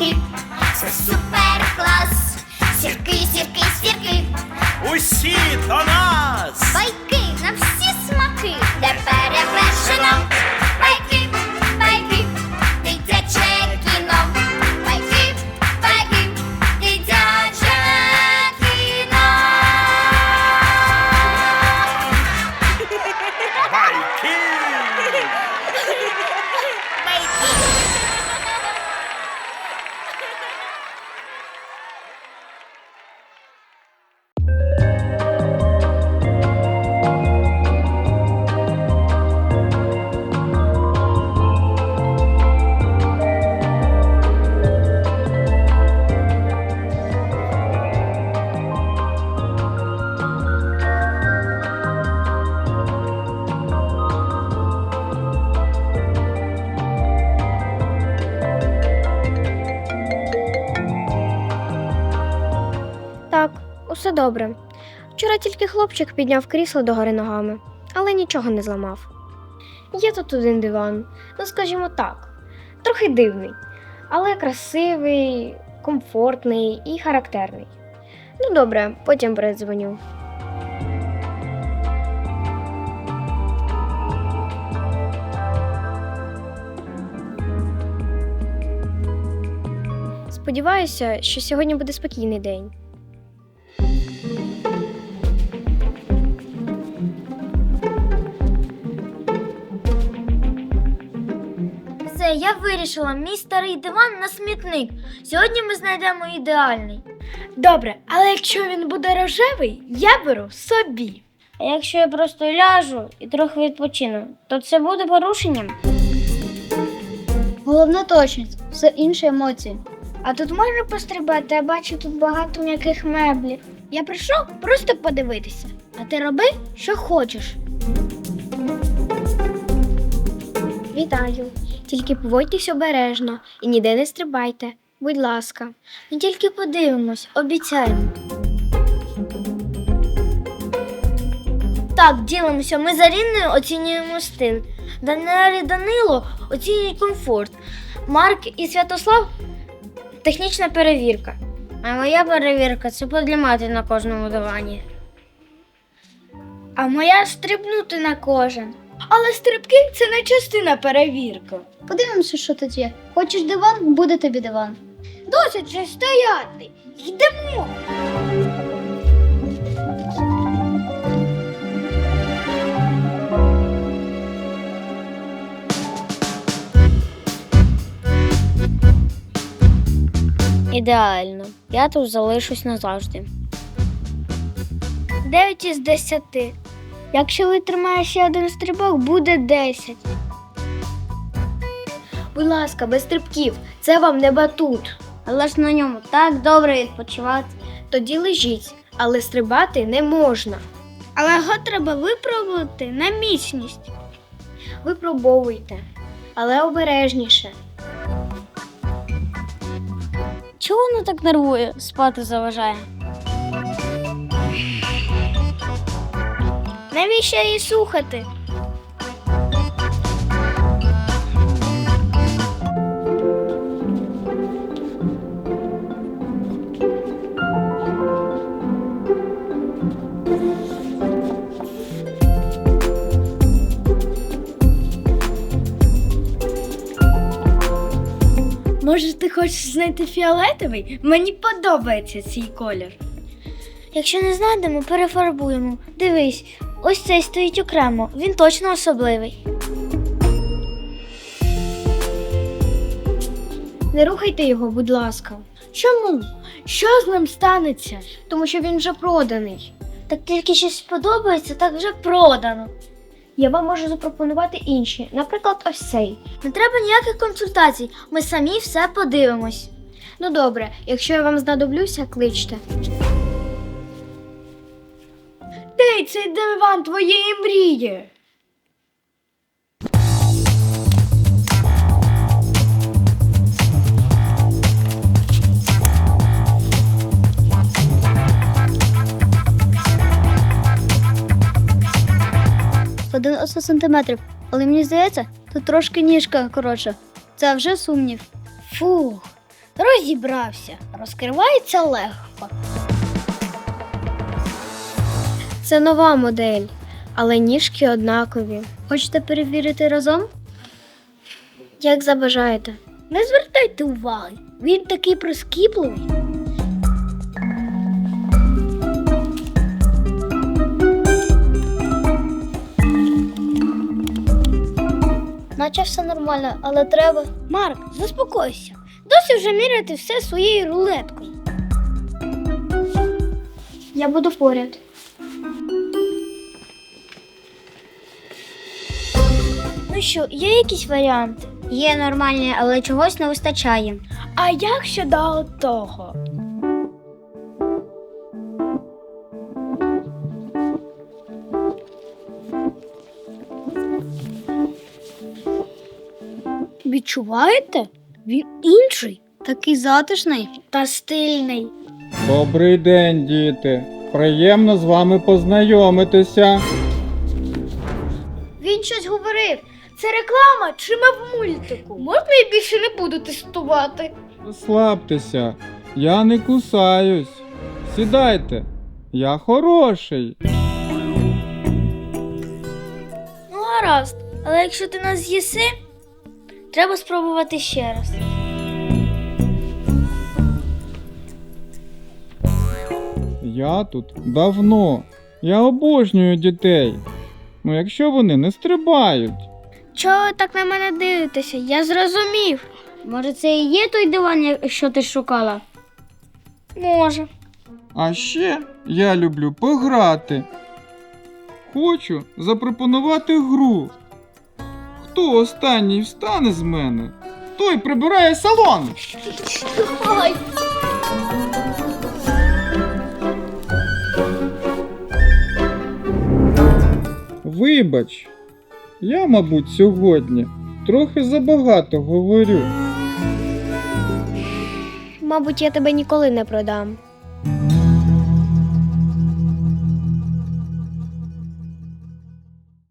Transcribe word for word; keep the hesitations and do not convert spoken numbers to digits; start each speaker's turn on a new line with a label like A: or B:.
A: сірки, це супер клас. Сірки, сірки, сірки,
B: Усі до нас!
A: байки на всі смаки, де перевершено. Байки, байки, дитяче кіно. Байки, байки, дитяче кіно.
B: Байки!
C: Так, усе добре. Вчора тільки хлопчик підняв крісло догори ногами, але нічого не зламав. Є тут один диван, ну скажімо так, трохи дивний, але красивий, комфортний і характерний. Ну добре, потім передзвоню. Сподіваюся, що сьогодні буде спокійний день.
D: Все, я вирішила, мій старий диван на смітник. Сьогодні ми знайдемо ідеальний.
C: Добре, але якщо він буде рожевий, я беру собі.
D: А якщо я просто ляжу і трохи відпочину, то це буде порушенням?
E: Головна точність, все інші емоції.
D: А тут можна пострибати, я бачу тут багато м'яких меблів.
E: Я прийшов просто подивитися, а ти роби, що хочеш.
C: Вітаю. Тільки поводьтесь обережно і ніде не стрибайте. Будь ласка.
D: Ми тільки подивимось, обіцяємо. Так, ділимося. Ми з Аріною оцінюємо стиль. Данило і Данило оцінюють комфорт. Марк і Святослав – технічна перевірка. А моя перевірка – це подлімати на кожному дивані. А моя – стрибнути на кожен.
C: Але стрибки – це не частина перевірки.
E: Подивимося, що тут є. Хочеш диван, буде тобі диван.
D: Досить же стояти! Йдемо! Ідеально. Я тут залишусь назавжди. Дев'ять із десяти. Якщо витримаєш ще один стрибок, буде десять.
C: Будь ласка, без стрибків. Це вам не батут.
D: Але ж на ньому так добре відпочивати.
C: Тоді лежіть, але стрибати не можна.
D: Але його треба випробувати на міцність.
C: Випробовуйте, але обережніше.
D: Чого воно так нервує? Спати заважає. Навіщо її слухати?
C: Може, ти хочеш знайти фіолетовий? Мені подобається цей колір.
D: Якщо не знайдемо, перефарбуємо. Дивись, ось цей стоїть окремо. Він точно особливий.
C: Не рухайте його, будь ласка. Чому? Що з ним станеться? Тому що він вже проданий.
D: Так тільки щось сподобається, так вже продано.
C: Я вам можу запропонувати інші, наприклад, ось цей.
D: Не треба ніяких консультацій, ми самі все подивимось.
C: Ну добре, якщо я вам знадоблюся, кличте. Де цей диван твоєї мрії?
E: дев'яносто сантиметрів, але мені здається, тут трошки ніжка коротша. Це вже сумнів.
D: Фух,
E: Розібрався. Розкривається легко.
C: Це нова модель, але ніжки однакові. Хочете перевірити разом? Як забажаєте.
E: Не звертайте уваги. Він такий прискіпливий.
D: Наче все нормально, але треба.
E: Марк, заспокойся. Досі вже міряти все своєю рулеткою.
C: Я буду поряд.
D: Ну що, є якісь варіанти? Є нормальні, але чогось не вистачає.
E: А як щодо того? Відчуваєте? Він інший, такий затишний та стильний.
F: Добрий день, діти. Приємно з вами познайомитися.
E: Він щось говорив. Це реклама чи ми в мультику? Можна я більше не буду тестувати?
F: Розслабтеся, я не кусаюсь. Сідайте, я хороший.
D: Ну, гаразд. Але якщо ти нас з'їси, треба спробувати ще раз.
F: Я тут давно. Я обожнюю дітей. Ну, якщо вони не стрибають.
E: Чого ви так на мене дивитеся? Я зрозумів.
D: Може, це і є той диван, що ти шукала?
E: Може.
F: А ще я люблю пограти. Хочу запропонувати гру. Хто останній встане з мене, той прибирає салон.
E: Ой.
F: Вибач, я, мабуть, сьогодні трохи забагато говорю.
C: Мабуть, я тебе ніколи не продам.